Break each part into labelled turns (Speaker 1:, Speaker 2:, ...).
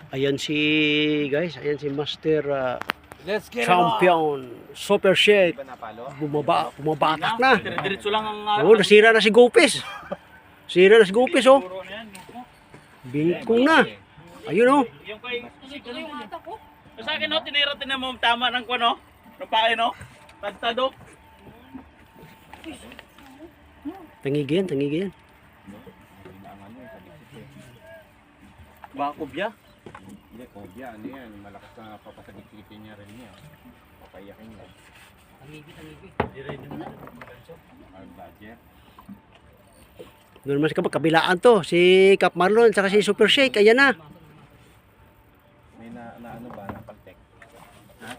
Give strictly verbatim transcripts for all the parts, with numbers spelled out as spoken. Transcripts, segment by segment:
Speaker 1: Ayan si guys, ayan si Master uh,
Speaker 2: Let's get
Speaker 1: Champion Super Shake.
Speaker 2: Ba napalo?
Speaker 1: Bumaba, bumabatak na.
Speaker 3: Dire-diretso lang ang
Speaker 1: Oh, nasira na si Gupis. Sira na si Gupis oh. Bingkong na. Ayun oh.
Speaker 3: Yung kay yung atak ko. Sa akin no, tinira tinan mo tama ng kuno. Ng pake no. Tagtado.
Speaker 1: Tangigin, tangigin.
Speaker 3: Ba kubya?
Speaker 2: Hindi, kobya. Ano yan? Malakas na papasagitin niya rin niya. Papayakin niya.
Speaker 3: Tangibi, tangibi. Dire din na.
Speaker 2: Ang budget.
Speaker 1: Doon naman sa kabilaan to. Si Cap Marlon, saka si Super Shake. Ayan na.
Speaker 2: May na, na ano ba? Napaltek. Ha?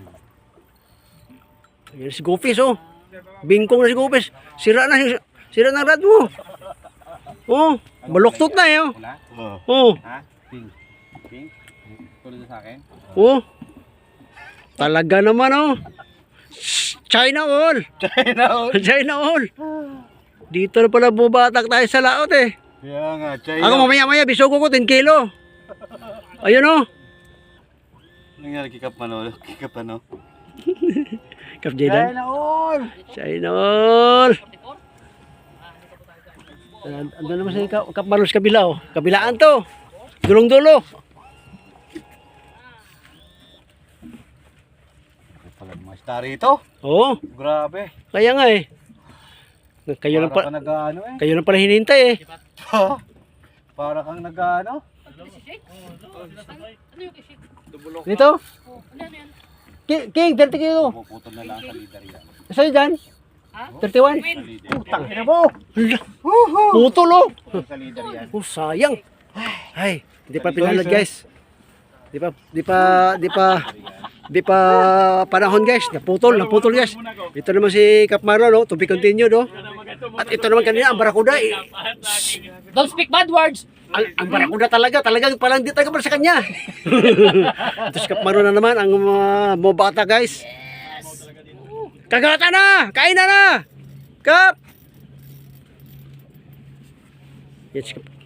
Speaker 1: Ayan si Gupis oh. Bingkong na si Gupis. Sira na, sira na ang rad mo. Oh, baluktot na eh oh.
Speaker 2: Wala?
Speaker 1: Oh,
Speaker 2: Ha? Pink. Pink? Tulad sa akin?
Speaker 1: oh. Talaga naman oh. China all.
Speaker 2: China all.
Speaker 1: China all. Dito na pala bumatak tayo sa laot eh.
Speaker 2: Kaya nga, China.
Speaker 1: Ako mamaya-maya bisugo ko ten kilo. Ayun oh.
Speaker 2: Nangyari kikap ano? Kikap ano?
Speaker 1: Kap Jaydan.
Speaker 2: China all.
Speaker 1: China all. Ando naman sa Kap, Kap Marlos kabila oh. Kabilaan to. Dulong-dulo.
Speaker 2: Pala mga star ito.
Speaker 1: Oo.
Speaker 2: Grabe.
Speaker 1: Kaya nga eh. Kayo lang
Speaker 2: Para
Speaker 1: pa,
Speaker 2: ka nag-ano eh.
Speaker 1: kayo lang pala hinihintay eh.
Speaker 2: Para kang nag-ano.
Speaker 1: Dito. King, King, thirty kilo.
Speaker 2: Puputol na lang sa leader yan.
Speaker 1: Sa'yo dyan? thirty-one?
Speaker 2: Sa leader.
Speaker 1: Putang ina mo. Putol oh.
Speaker 2: Sa leader yan.
Speaker 1: Oh, sayang. Ay, hindi pa pinalad guys. Di pa, di pa, di pa, di pa panahon guys. Naputol, naputol guys. Ito naman si Cap Marlon, no? To be continued, no? At ito naman kanina, ang Barakuda. Eh.
Speaker 4: Don't speak bad words.
Speaker 1: Ang, ang Barakuda talaga, talagang parang di taga sa kanya. Ito si Cap Marlon na naman, ang uh, mobata guys. Kagata na! Kain na na! Cap! Yan si Cap.